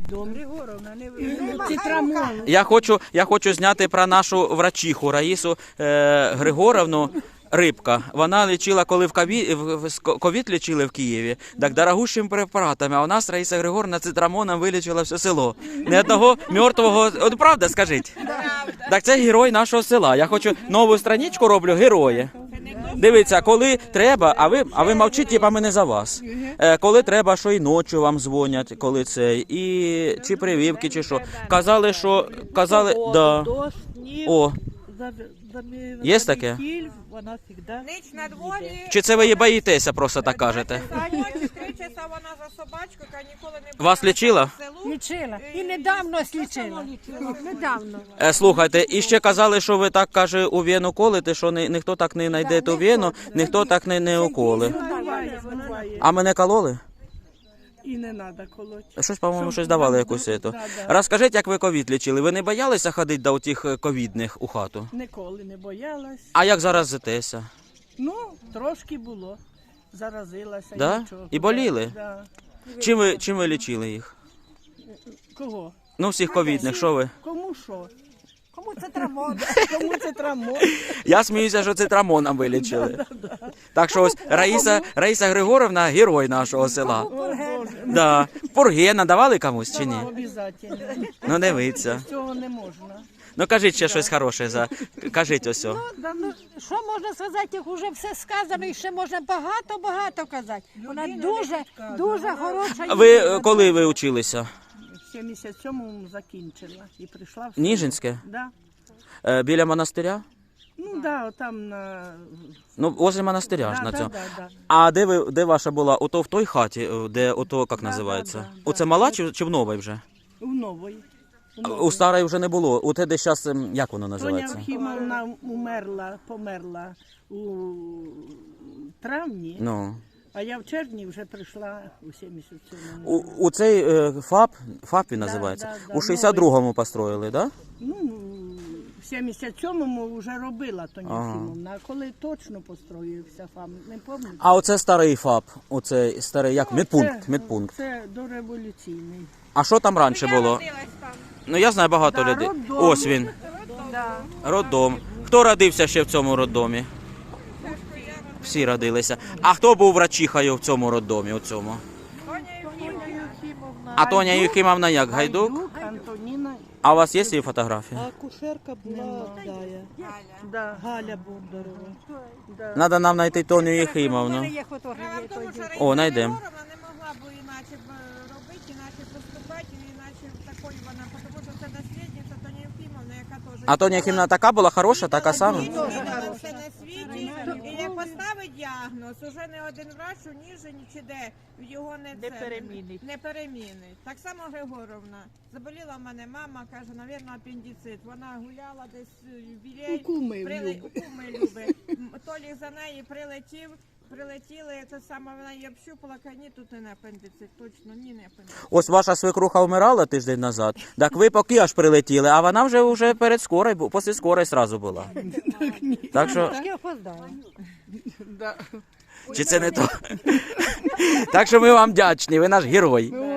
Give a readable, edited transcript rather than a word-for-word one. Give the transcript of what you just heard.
Я хочу зняти про нашу врачиху Раїсу Григоровну. Рибка. Вона лічила, коли ковід лічили в Києві, так дорогущими препаратами, а у нас Раїса Григорівна цитрамоном вилічила все село. Ні одного мертвого... От правда, скажіть? Так це герой нашого села. Я хочу нову страничку роблю, герої. Дивіться, коли треба, а ви мовчіть, типа ми не за вас. Коли треба, що і ночі вам дзвонять, коли це, і чи прививки, чи що. Казали, да. О, є таке? Вона завжди. Ніч на дворі. Чи це ви її боїтеся, просто так кажете? 3 часа вона за собачкою, яка ніколи не була. Вас лічила? Лічила. І недавно лічила. Недавно. Слухайте, і ще казали, що ви так, каже, у вену колите, що ніхто так не знайде ту вену, ніхто так не уколи. А мене кололи? І не треба колоти. Щось, по-моєму, щось давали якусь ету. Розкажіть, як ви ковід лічили? Ви не боялися ходити до тих ковідних у хату? Ніколи не боялась. А як заразитеся? Ну, трошки було. Заразилася. Да? Нічого. І боліли? Да. Чим ви лічили їх? Кого? Ну, всіх ковідних, що ви? Кому що? Кому це травма? Кому це травмо? Я сміюся, що цитрамоном вилічили. Так що ось Раїса Григорівна – герой нашого села. Да. Пурги надавали комусь чи ні? Обов'язково. Ну, дивіться. Цього не можна. Ну, кажіть ще щось хороше. Кажіть ось. Ну, що можна сказати, як вже все сказано, і ще можна багато казати. Вона дуже хороша. Коли ви училися? В 77-му закінчила і прийшла в село. Ніжинське? Да. Біля монастиря? Ну, да, там на... Ну, возле монастиря ж на цьому. Да. А де ваша була? Ото в той хаті, де ото, як називається? да. Оце мала чи в новій вже? У нової. У старої вже не було. У те, де зараз, як воно Тоня називається? Охімовна померла у травні, Ну. а я в червні вже прийшла у 77-му. У цей ФАП він називається? да, У 62-му построїли, так? Да? Ну, в 77-му вже робила Тоня Охімовна, а коли точно построївся ФАП, не пам'ятаю. А оце старий ФАП, оцей старий, як, медпункт. Це дореволюційний. А що там раніше було? Родилась там. Ну, я знаю багато людей. Ось він. Роддом. Хто родився ще в цьому роддомі? Всі родилися. А хто був врачихою в цьому роддомі, у цьому? А Тоня Єхімовна як, Гайдук? Антоніна. А у вас є її фотографія? Кушерка була Дая. Да. Галя Бондарова. Треба нам знайти Тоню Єхімовну. Є фотографії. Тому що О, знайдемо. Григорівна не могла б іначе робити, іначе поступати, іначе такою вона, тому що це наслідниця Тоні Єфімовна, яка теж... А Тоня Єхімовна така була хороша, така сама? Відвідала все на світі, і як поставить діагноз, уже не один врач у Ніжині чи де, його не перемінить. Так само Григорівна. Заболіла в мене мама, каже, навірно, апендицит. Вона гуляла десь в Білей, У куми любить. Толік за неї прилетіли, це саме вона її общупала, каже, ні, тут не апендицит, точно, ні, не апендицит. Ось ваша свекруха вмирала тиждень назад, так ви поки аж прилетіли, а вона вже перед скорою, після скорої одразу була. Так що... Я опоздала. Чи це не то? Так що ми вам вдячні, ви наш герой.